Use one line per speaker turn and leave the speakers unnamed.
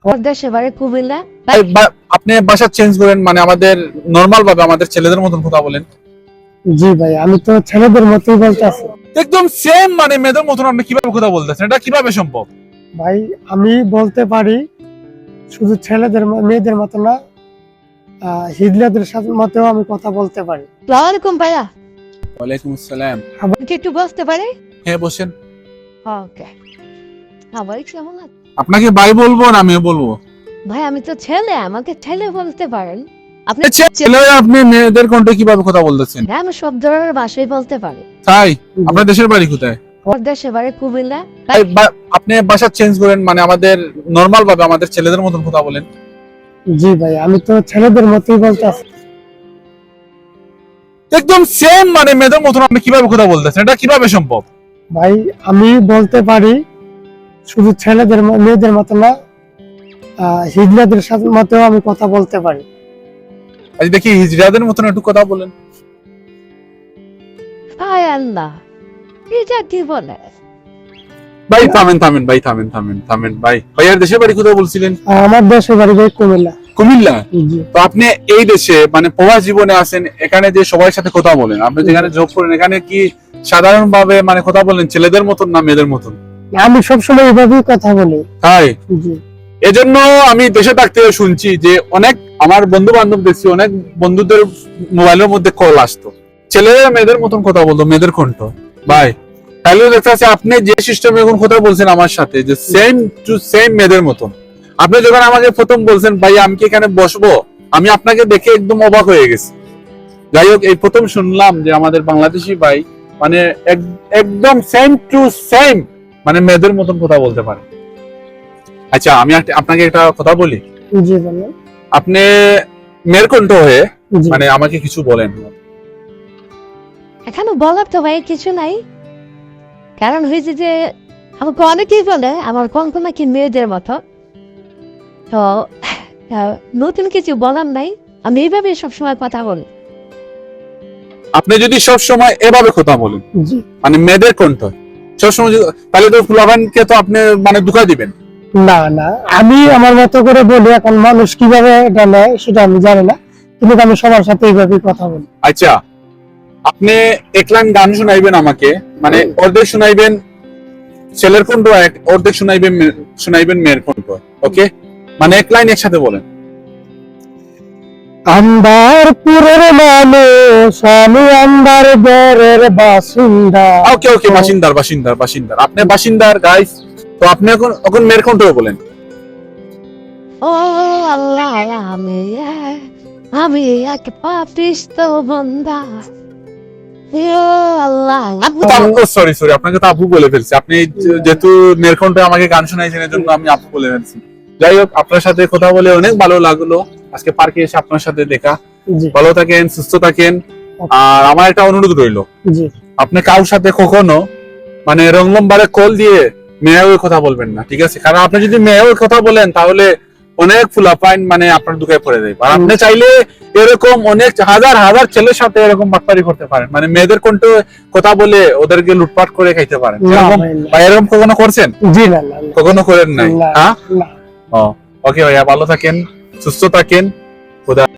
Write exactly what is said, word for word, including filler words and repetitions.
দেশে বাড়ি কুমিল্লা।
আপনি বাসা চেঞ্জ করেন, মানে আমাদের নরমাল ভাবে আমাদের ছেলেদের মতন কথা বলেন।
জি ভাই, আমি তো ছেলেদের মতোই বলতেছি।
একদম সেম, মানে মেয়েদের মতন আপনি কিভাবে কথা বলতেছেন? এটা কিভাবে সম্ভব?
ভাই আমি বলতে পারি শুধু ছেলেদের ম- মেয়েদের মতো না, আহ, হিজলাদের সাথে মতেও আমি কথা বলতে পারি।
আসসালামু আলাইকুম ভাইয়া,
ওয়ালাইকুম আসসালাম।
কি একটু বসতে পারে?
হ্যাঁ বসেন।
ওকে। আমার কেমন আছে?
আপনাকে ভাই বলবো না আমিও বলবো?
ভাই আমি তো ছেলে, আমাকে ছেলে বলতে পারেন। আপনি
ছেলে আপনি মেয়েদের কণ্ঠে কিভাবে কথা বলতেছেন?
হ্যাঁ, আমি সব ধরনের ভাষাই বলতে পারি।
তাই? আপনার দেশের বাড়ি কোথায়?
আমার দেশে বাড়ি কুমিল্লা।
আপনি বাসা চেঞ্জ করেন, মানে আমাদের নরমাল ভাবে আমাদের ছেলেদের মতন কথা বলেন।
জি ভাই, আমি তো ছেলেদের মতোই বলতেছি।
একদম সেম, মানে মেয়েদের মতন আপনি কিভাবে কথা বলতেছেন? এটা কিভাবে সম্ভব?
ভাই আমি বলতে পারি শুধু ছেলেদের ম- মেয়েদের মতো না, আহ, হিজলাদের সাথে মতেও আমি কথা বলতে পারি।
আজ দেখি হিজড়াদের মতন একটু কথা বলেন।
হায় আল্লাহ, এটা কি বলে?
ভাই থামেন থামেন ভাই থামেন থামেন থামেন ভাই। ভাইয়ার দেশের বাড়ি কোথায় বলছিলেন?
আহ, আমার দেশের বাড়ি ভাই কুমিল্লা।
কুমিল্লা?
জি
তো আপনি এই দেশে মানে প্রবাস জীবনে আছেন, এখানে যে সবার সাথে কথা বলেন, আপনি যেখানে জব করেন এখানে কি সাধারণ ভাবে মানে কথা বলেন ছেলেদের মতন না মেয়েদের মতন?
আমি সবসময় এভাবেই কথা বলি।
তাই?
জি
এজন্য আমি দেশে থাকতে শুনছি যে অনেক আমার বন্ধু বান্ধব দেখছি, অনেক বন্ধুদের মোবাইলের মধ্যে কল আসতো, ছেলেরা মেয়েদের মতন কথা বলতো, মেয়েদের কণ্ঠ। ভাই তাহলে দেখতে পাচ্ছি আপনি যে সিস্টেমে এখন কথা বলছেন আমার সাথে, যে সেম টু সেম মেয়েদের মতন। আপনি যখন আমাকে প্রথম বলছেন ভাই আমি কি এখানে বসবো, আমি আপনাকে দেখে একদম অবাক হয়ে গেছি। যাই হোক, এই প্রথম শুনলাম যে আমাদের বাংলাদেশি ভাই মানে এক- একদম সেম টু সেম মানে মেয়েদের মতন কথা বলতে পারে। আচ্ছা আমি একটা- আপনাকে একটা কথা বলি,
জি বলেন।
আপনি মেয়ের কণ্ঠ হয়ে
জি
মানে আমাকে কিছু বলেন।
এখানে বলার তো ভাই কিছু নাই, কারণ হয়েছে যে আমাকে অনেকেই বলে আমার কঙ্ক নাকি মেয়েদের মতো। তো আহ, নতুন কিছু বলার নাই, আমি এইভাবে সবসময় কথা বলি।
আপনি যদি সব সময় এভাবে কথা বলেন
জি
মানে মেয়েদের কণ্ঠ সবসময়, যদি- তাহলে তো ফুলাভানকে তো আপনি মানে ধোঁকা দিবেন।
না না, আমি আমার মতো করে বলি। এখন মানুষ কিভাবে এটা নেয় সেটা আমি জানি না, কিন্তু আমি সবার সাথে এইভাবেই কথা বলি।
আচ্ছা আপনি এক লাইন গান শোনাইবেন আমাকে, মানে অর্ধেক শোনাইবেন ছেলের কণ্ঠ, এক অর্ধেক শোনাইবেন মে- শোনাইবেন মেয়ের কণ্ঠ। ওকে, মানে এক লাইন একসাথে বলেন।
আন্দারপুরের মানুষ আমি, আন্দারপুরের বাসিন্দা।
ওকে ওকে, বাসিন্দার বাসিন্দার বাসিন্দার আপনি বাসিন্দার গাইস। তো আপনি এখন এখন মেয়ের কণ্ঠ বলেন।
ও আল্লাহ, আমি এক- আমি এক পাপিষ্ট বান্দা। ও আল্লাহ,
সরি সরি, আপনাকে তো আপু বলে ফেলছি। আপনি যে- যেহেতু মেয়ের কণ্ঠে আমাকে গান শোনাইছেন এর জন্য আমি আপু বলে ফেলছি। যাই হোক, আপনার সাথে কথা বলে অনেক ভালো লাগলো। আজকে পার্কে এসে আপনার সাথে দেখা।
জি
ভালো থাকেন, সুস্থ থাকেন। আর আমার একটা অনুরোধ রইলো,
জি
আপনি কারোর সাথে কখনো মানে রং নম্বরে কল দিয়ে মেয়ে হয়ে কথা বলবেন না, ঠিক আছে? কারণ আপনি যদি মেয়ে হয়ে কথা বলেন তাহলে অনেক ফুলাফাইন মানে আপনার দুঃখায় পড়ে যাবে। আর আপনি চাইলে এরকম অনেক হাজার হাজার ছেলের সাথে এরকম বাটপারি করতে পারেন, মানে মেয়েদের কণ্ঠে কথা বলে ওদেরকে লুটপাট করে খাইতে পারেন।
না
এরকম
ভাই, না।
বা এরকম কখনো করছেন?
জি না না না,
কখনো করেন নাই?
না,
হ্যাঁ,
না।
ওকে ভাইয়া, ভালো থাকেন, সুস্থ থাকেন। খোদা